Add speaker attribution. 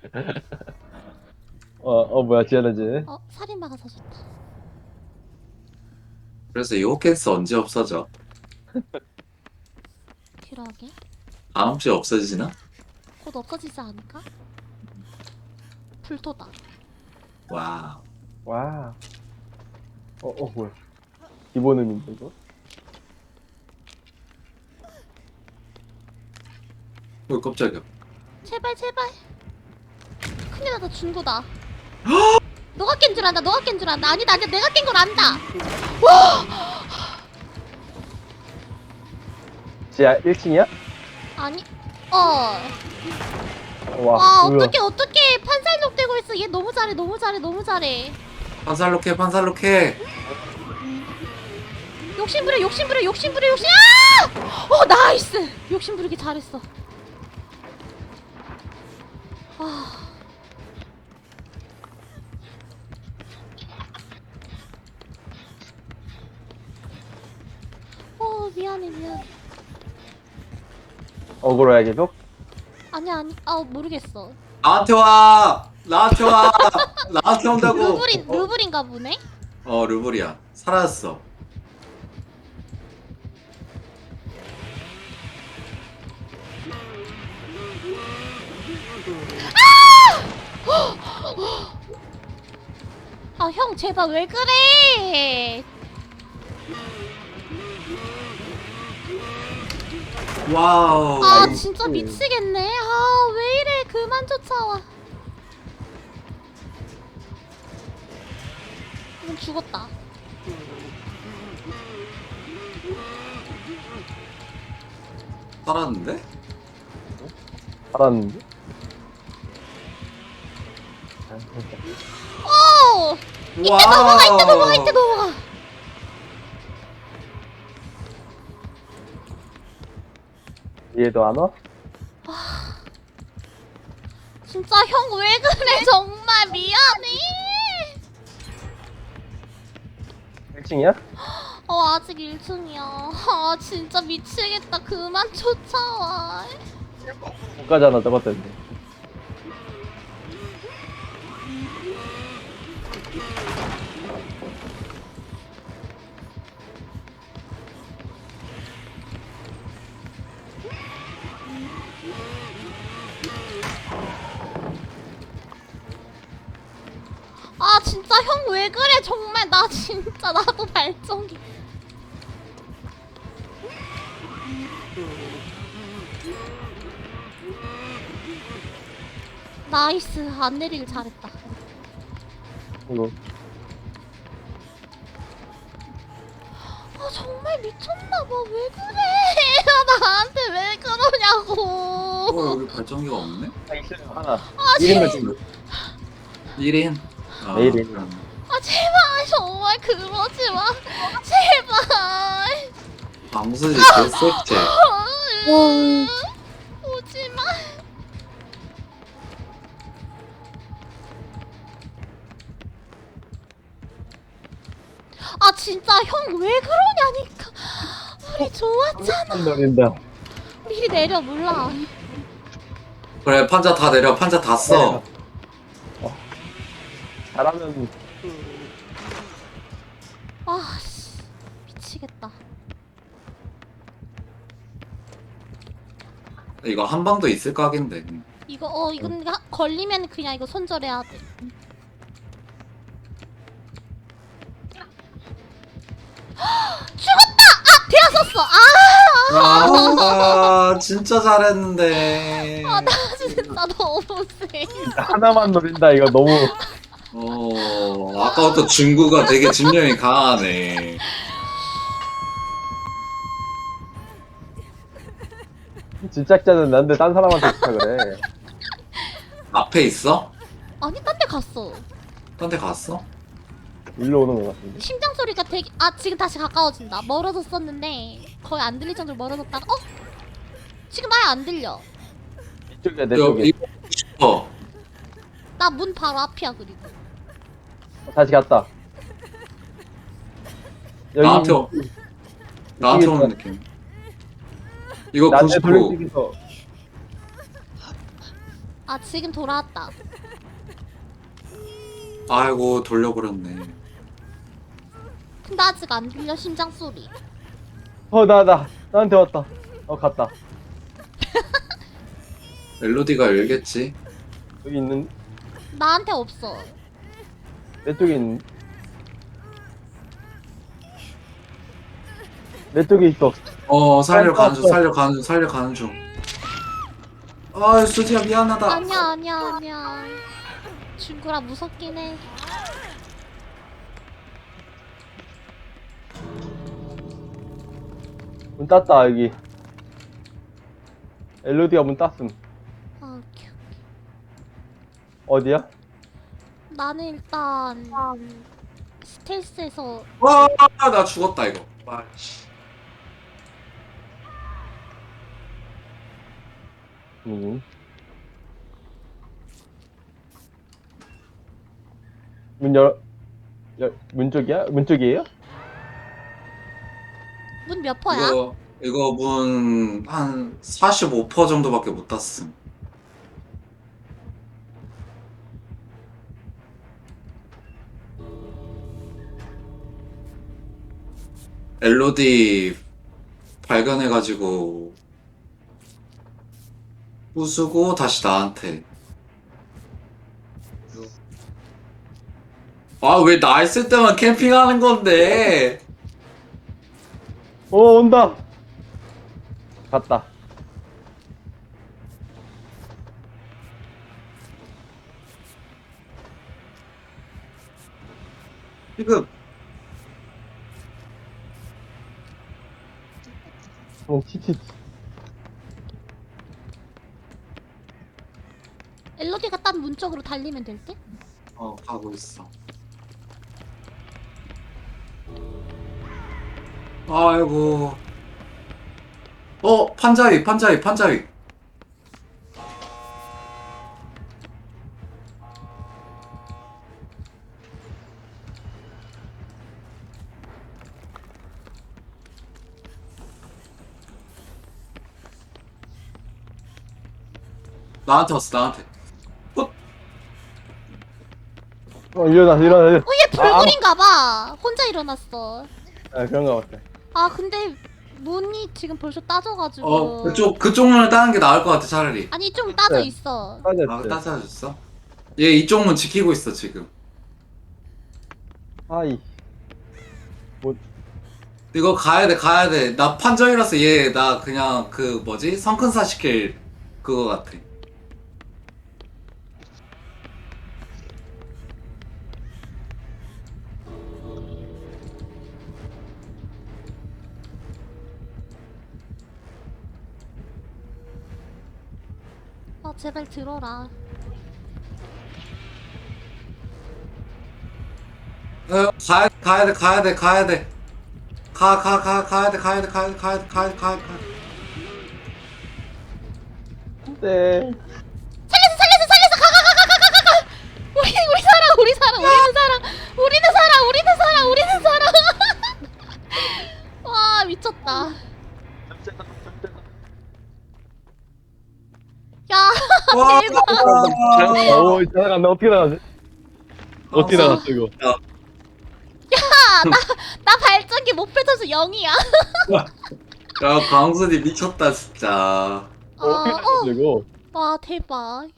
Speaker 1: 뭐야, 지어내지.
Speaker 2: 살인마가 사줬다.
Speaker 3: 그래서 이 호켄스 언제 없어져?
Speaker 2: 그러게.
Speaker 3: 다음 주에 없어지나?
Speaker 2: 곧 없어지지 않을까? 불토다.
Speaker 3: 와.
Speaker 1: 와. 뭐야. 기본 음인데, 이거?
Speaker 3: 왜 깜짝이야.
Speaker 2: 제발 제발. 큰일 나다 중고다. 너가 깬 줄 안다. 너가 깬 줄 안다. 아니다 아니다 내가 깬 걸 안다.
Speaker 1: 지하 1층이야?
Speaker 2: 아니
Speaker 1: 와, 뭐야.
Speaker 2: 어떡해 판살록 되고 있어. 얘 너무 잘해 너무 잘해 너무 잘해.
Speaker 3: 판살록해, 판살록해.
Speaker 2: 욕심부려 욕심부려 욕심부려 욕심. 나이스. 욕심부리기 잘했어. 미안해 미안해.
Speaker 1: 어그로야, 계속?
Speaker 2: 아니야 모르겠어.
Speaker 3: 나한테 와! 나한테 와! 나한테 온다고!
Speaker 2: 루블인가 보네?
Speaker 3: 루블이야. 사라졌어.
Speaker 2: 형 제발 왜 그래?
Speaker 3: 와우.
Speaker 2: 진짜 미치겠네. 왜 이래? 그만 쫓아와. 죽었다.
Speaker 3: 살았는데?
Speaker 1: 알았는데?
Speaker 2: 이때 넘어가.
Speaker 1: 얘도 안 와?
Speaker 2: 진짜 형 왜 그래? 정말 미안해.
Speaker 1: 1층이야?
Speaker 2: 아직 1층이야. 진짜 미치겠다. 그만 쫓아와.
Speaker 1: 못 가잖아, 저것 때문에.
Speaker 2: 진짜 형 왜 그래? 정말 나 진짜 나도 발전기. 나이스. 안 내리길 잘했다.
Speaker 1: 이거.
Speaker 2: 정말 미쳤나봐. 왜 그래? 나한테 왜 그러냐고.
Speaker 3: 여기 발전기가 없네?
Speaker 1: 있어요, 하나.
Speaker 2: 제발.
Speaker 1: 1인 몇
Speaker 3: 1인?
Speaker 1: 내일인.
Speaker 2: 제발 정말 그러지 마. 제발.
Speaker 3: 방수지 개새끼.
Speaker 2: 오지 마. 진짜 형 왜 그러냐니까. 우리 좋았잖아.
Speaker 1: 노린다.
Speaker 2: 미리 내려. 몰라.
Speaker 3: 그래, 판자 다 내려. 판자 다 써.
Speaker 1: 잘하면
Speaker 2: 씨. 미치겠다.
Speaker 3: 이거 한 방도 있을 각인데.
Speaker 2: 이건 걸리면 그냥 이거 손절해야 돼. 죽었다! 되었었어!
Speaker 3: 진짜 잘했는데.
Speaker 2: 나 진짜 너무 세.
Speaker 1: 하나만 노린다, 이거 너무.
Speaker 3: 아까부터 중구가 되게 집념이 강하네.
Speaker 1: 집착자는 난데 딴 사람한테 집착을 해.
Speaker 3: 앞에 있어?
Speaker 2: 아니 딴 데 갔어.
Speaker 3: 딴 데 갔어?
Speaker 1: 일로 오는 것 같은데.
Speaker 2: 심장 소리가 되게 지금 다시 가까워진다. 멀어졌었는데 거의 안 들릴 정도로 멀어졌다가 지금 아예 안 들려.
Speaker 1: 이쪽이야, 내 쪽에.
Speaker 3: 이거 싶어.
Speaker 2: 나 문 바로 앞이야. 그리고
Speaker 1: 다시 갔다. 여기
Speaker 3: 나한테 오는 느낌. 이거
Speaker 1: 나한테
Speaker 3: 99.
Speaker 1: 돌려치기서
Speaker 2: 아 지금 돌아왔다.
Speaker 3: 아이고 돌려버렸네.
Speaker 2: 근데 아직 안 들려 심장 소리.
Speaker 1: 나한테 왔다. 갔다.
Speaker 3: 멜로디가 열겠지.
Speaker 1: 여기 있는,
Speaker 2: 나한테 없어.
Speaker 1: 내 쪽에 있는. 내 쪽에 있어.
Speaker 3: 살려가는 중, 살려가는 중. 아, 수지야 미안하다.
Speaker 2: 아니야. 중구라 무섭긴 해.
Speaker 1: 문 땄다, 여기. 엘로디가 문 땄음.
Speaker 2: 아, 오케이.
Speaker 1: 어디야?
Speaker 2: 나는 일단 스텔스에서
Speaker 3: 와, 나 죽었다 이거. 아, 씨.
Speaker 1: 문 문 쪽이야? 문 쪽이에요?
Speaker 2: 문 몇 퍼야?
Speaker 3: 이거 문 한 45% 정도밖에 못 땄음. 엘로디 발견해가지고 부수고 다시 나한테. 아, 왜 나 있을 때만 캠핑하는 건데?
Speaker 1: 온다. 갔다.
Speaker 3: 지금
Speaker 1: 치치.
Speaker 2: 엘로디가 딴 문 쪽으로 달리면 될 듯?
Speaker 3: 가고 있어. 아이고. 판자위. 나한테 왔어, 나한테.
Speaker 1: 일어나.
Speaker 2: 얘 불굴인가봐. 혼자 일어났어.
Speaker 1: 그런가 보다.
Speaker 2: 아 근데 문이 지금 벌써 따져가지고.
Speaker 3: 그쪽 문을 따는 게 나을 것 같아, 차라리.
Speaker 2: 아니 좀 따져
Speaker 1: 네.
Speaker 2: 있어.
Speaker 1: 빠졌지.
Speaker 3: 따져줬어? 얘 이쪽 문 지키고 있어, 지금.
Speaker 1: 아이.
Speaker 3: 이거 가야 돼. 나 판정이라서 나 그냥 성큰사 시킬 그거 같아.
Speaker 2: 아 제발 들어라.
Speaker 3: 가야 돼. 가야 돼. 가야 돼.
Speaker 1: 네.
Speaker 2: 살렸어. 가. 우리는 살아. 와 미쳤다. 야
Speaker 3: 와,
Speaker 1: 오, 지나간다. 어떻게 나가지? 어떻게 나갔어, 이거?
Speaker 2: 나 발전기 못 펼쳐서 0이야.
Speaker 3: 야, 광순이 미쳤다, 진짜.
Speaker 1: 어떻게 나갔어, 이거?
Speaker 2: 와 대박.